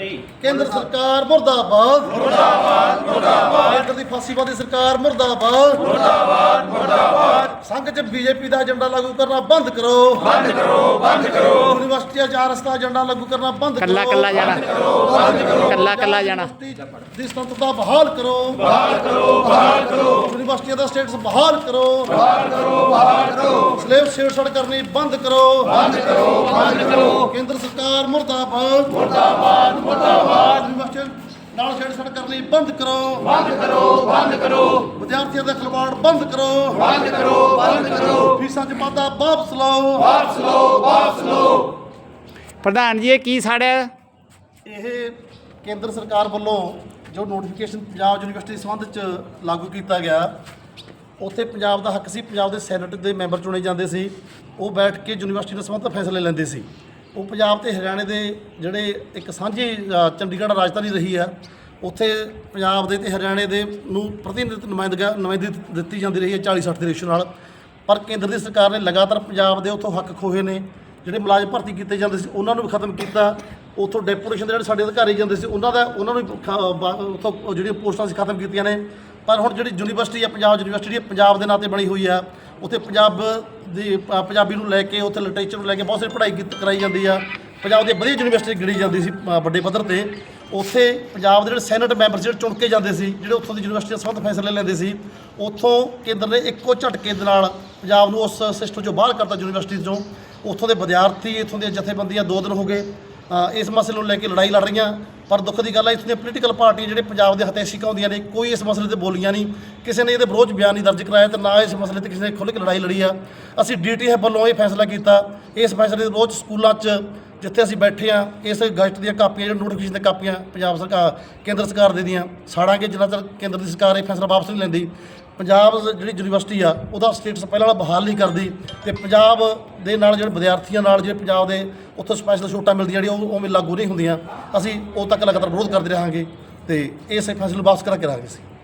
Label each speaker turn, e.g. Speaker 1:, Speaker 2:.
Speaker 1: केंद्र सरकार मुर्दाबाद मुर्दाबाद मुर्दाबाद केंद्र की फासीवादी सरकार मुर्दाबाद मुर्दाबाद मुर्दाबाद संघ च बीजेपी का एजेंडा लागू करना बंद करो यूनिवर्सिटी आरएस का एजेंडा लागू करना बंद करो
Speaker 2: कल्ला जाना
Speaker 1: दी स्वतंत्रता बहाल करो यूनिवर्सिटी का स्टेटस बहाल करो स्लेव छेड़छाड़ करनी बंद करो केंद्र सरकार मुर्दाबाद मुर्दाबाद मुर्दाबाद यूनिवर्सिटी नाल छेड़छाड़ करनी बंद करो विद्यार्थियों का खिलवाड़ बंद करो फीसां च वाधा वापस लो
Speaker 2: प्रधान जी की साढ़े
Speaker 1: ਇਹ ਕੇਂਦਰ ਸਰਕਾਰ ਵੱਲੋਂ ਜੋ ਨੋਟੀਫਿਕੇਸ਼ਨ ਪੰਜਾਬ ਯੂਨੀਵਰਸਿਟੀ ਸੰਬੰਧ 'ਚ ਲਾਗੂ ਕੀਤਾ ਗਿਆ ਉੱਥੇ ਪੰਜਾਬ ਦਾ ਹੱਕ ਸੀ। ਪੰਜਾਬ ਦੇ ਸੈਨੇਟ ਦੇ ਮੈਂਬਰ ਚੁਣੇ ਜਾਂਦੇ ਸੀ, ਉਹ ਬੈਠ ਕੇ ਯੂਨੀਵਰਸਿਟੀ ਦੇ ਸੰਬੰਧ ਫੈਸਲੇ ਲੈਂਦੇ ਸੀ। ਉਹ ਪੰਜਾਬ ਤੇ ਹਰਿਆਣੇ ਦੇ ਜਿਹੜੇ ਇੱਕ ਸਾਂਝੀ ਚੰਡੀਗੜ੍ਹ ਰਾਜਧਾਨੀ ਰਹੀ ਆ, ਉੱਥੇ ਪੰਜਾਬ ਦੇ ਤੇ ਹਰਿਆਣੇ ਦੇ ਨੂੰ ਨੁਮਾਇੰਦਗੀ ਦਿੱਤੀ ਜਾਂਦੀ ਰਹੀ ਹੈ 40-60 ਦੇ ਰੇਸ਼ੋ ਨਾਲ। ਪਰ ਕੇਂਦਰ ਦੀ ਸਰਕਾਰ ਨੇ ਲਗਾਤਾਰ ਪੰਜਾਬ ਦੇ ਉੱਥੋਂ ਹੱਕ ਖੋਹੇ ਨੇ। ਜਿਹੜੇ ਮੁਲਾਜ਼ਮ ਭਰਤੀ ਕੀਤੇ ਜਾਂਦੇ ਸੀ ਉਹਨਾਂ ਨੂੰ ਵੀ ਖਤਮ ਕੀਤਾ। ਉੱਥੋਂ ਡੈਪੂਟੇਸ਼ਨ ਦੇ ਜਿਹੜੇ ਸਾਡੇ ਅਧਿਕਾਰੀ ਜਾਂਦੇ ਸੀ ਉਹਨਾਂ ਨੂੰ ਵੀ ਉੱਥੋਂ ਜਿਹੜੀਆਂ ਪੋਸਟਾਂ ਸੀ ਖਤਮ ਕੀਤੀਆਂ ਨੇ। ਪਰ ਹੁਣ ਜਿਹੜੀ ਯੂਨੀਵਰਸਿਟੀ ਆ ਪੰਜਾਬ ਯੂਨੀਵਰਸਿਟੀ ਪੰਜਾਬ ਦੇ ਨਾਂ 'ਤੇ ਬਣੀ ਹੋਈ ਆ, ਉੱਥੇ ਪੰਜਾਬੀ ਨੂੰ ਲੈ ਕੇ ਉੱਥੇ ਲਿਟਰੇਚਰ ਨੂੰ ਲੈ ਕੇ ਬਹੁਤ ਸਾਰੀ ਪੜ੍ਹਾਈ ਕਰਾਈ ਜਾਂਦੀ ਆ। ਪੰਜਾਬ ਦੀ ਵਧੀਆ ਯੂਨੀਵਰਸਿਟੀ ਗਿਣੀ ਜਾਂਦੀ ਸੀ ਵੱਡੇ ਪੱਧਰ 'ਤੇ। ਉੱਥੇ ਪੰਜਾਬ ਦੇ ਜਿਹੜੇ ਸੈਨੇਟ ਮੈਂਬਰ ਜਿਹੜੇ ਚੁਣ ਕੇ ਜਾਂਦੇ ਸੀ, ਜਿਹੜੇ ਉੱਥੋਂ ਦੀ ਯੂਨੀਵਰਸਿਟੀ ਸੰਬੰਧ ਫੈਸਲੇ ਲੈਂਦੇ ਸੀ, ਉੱਥੋਂ ਕੇਂਦਰ ਨੇ ਇੱਕੋ ਝਟਕੇ ਦੇ ਨਾਲ ਪੰਜਾਬ ਨੂੰ ਉਸ ਸਿਸਟਮ 'ਚੋਂ ਬਾਹਰ ਕਰਤਾ ਯੂਨੀਵਰਸਿਟੀ 'ਚੋਂ। ਉੱਥੋਂ ਦੇ ਵਿਦਿਆਰਥੀ ਇੱਥੋਂ ਦੀਆਂ ਜਥੇਬੰਦੀਆਂ 2 ਦਿਨ ਹੋ ਗਏ ਇਸ ਮਸਲੇ ਨੂੰ ਲੈ ਕੇ ਲੜਾਈ ਲੜ ਰਹੀਆਂ। ਪਰ ਦੁੱਖ ਦੀ ਗੱਲ ਹੈ ਇੱਥੋਂ ਦੀਆਂ ਪੋਲੀਟੀਕਲ ਪਾਰਟੀਆਂ ਜਿਹੜੇ ਪੰਜਾਬ ਦੇ ਹਤੈਸ਼ਿਕਾਂ ਹੁੰਦੀਆਂ ਨੇ, ਕੋਈ ਇਸ ਮਸਲੇ 'ਤੇ ਬੋਲੀਆਂ ਨਹੀਂ, ਕਿਸੇ ਨੇ ਇਹਦੇ ਵਿਰੋਧ ਬਿਆਨ ਨਹੀਂ ਦਰਜ ਕਰਾਇਆ ਤੇ ਨਾ ਇਸ ਮਸਲੇ 'ਤੇ ਕਿਸੇ ਨੇ ਖੁੱਲ੍ਹ ਕੇ ਲੜਾਈ ਲੜੀ ਆ। ਅਸੀਂ DTF ਵੱਲੋਂ ਇਹ ਫੈਸਲਾ ਕੀਤਾ। ਇਸ ਫੈਸਲੇ ਦੇ ਵਿਰੋਧ ਸਕੂਲਾਂ 'ਚ ਜਿੱਥੇ ਅਸੀਂ ਬੈਠੇ ਆ, ਇਸ ਗਜ਼ਟ ਦੀਆਂ ਕਾਪੀਆਂ ਜਿਹੜੀਆਂ ਨੋਟੀਫਿਕੇਸ਼ਨ ਦੀਆਂ ਕਾਪੀਆਂ ਪੰਜਾਬ ਸਰਕਾਰ ਕੇਂਦਰ ਸਰਕਾਰ ਦੇ ਦੀਆਂ ਸਾੜਾਂਗੇ ਜਿੰਨਾ ਚਿਰ ਕੇਂਦਰ ਦੀ ਸਰਕਾਰ ਇਹ ਫੈਸਲਾ ਵਾਪਸ ਨਹੀਂ ਲੈਂਦੀ। ਪੰਜਾਬ ਜਿਹੜੀ ਯੂਨੀਵਰਸਿਟੀ ਆ ਉਹਦਾ ਸਟੇਟਸ ਪਹਿਲਾਂ ਵਾਲਾ ਬਹਾਲ ਨਹੀਂ ਕਰਦੀ ਤੇ ਪੰਜਾਬ ਦੇ ਨਾਲ ਜਿਹੜੇ ਵਿਦਿਆਰਥੀਆਂ ਨਾਲ ਜਿਹੜੇ ਪੰਜਾਬ ਦੇ ਉੱਥੋਂ ਸਪੈਸ਼ਲ ਛੋਟਾਂ ਮਿਲਦੀਆਂ ਜਿਹੜੀਆਂ ਉਹ ਉਵੇਂ ਲਾਗੂ ਨਹੀਂ ਹੁੰਦੀਆਂ। ਅਸੀਂ ਉਦੋਂ ਤੱਕ ਲਗਾਤਾਰ ਵਿਰੋਧ ਕਰਦੇ ਰਹਾਂਗੇ ਤੇ ਇਸ ਫੈਸਲੇ ਨੂੰ ਵਾਪਸ ਕਰਾ ਕੇ ਰਹਾਂਗੇ।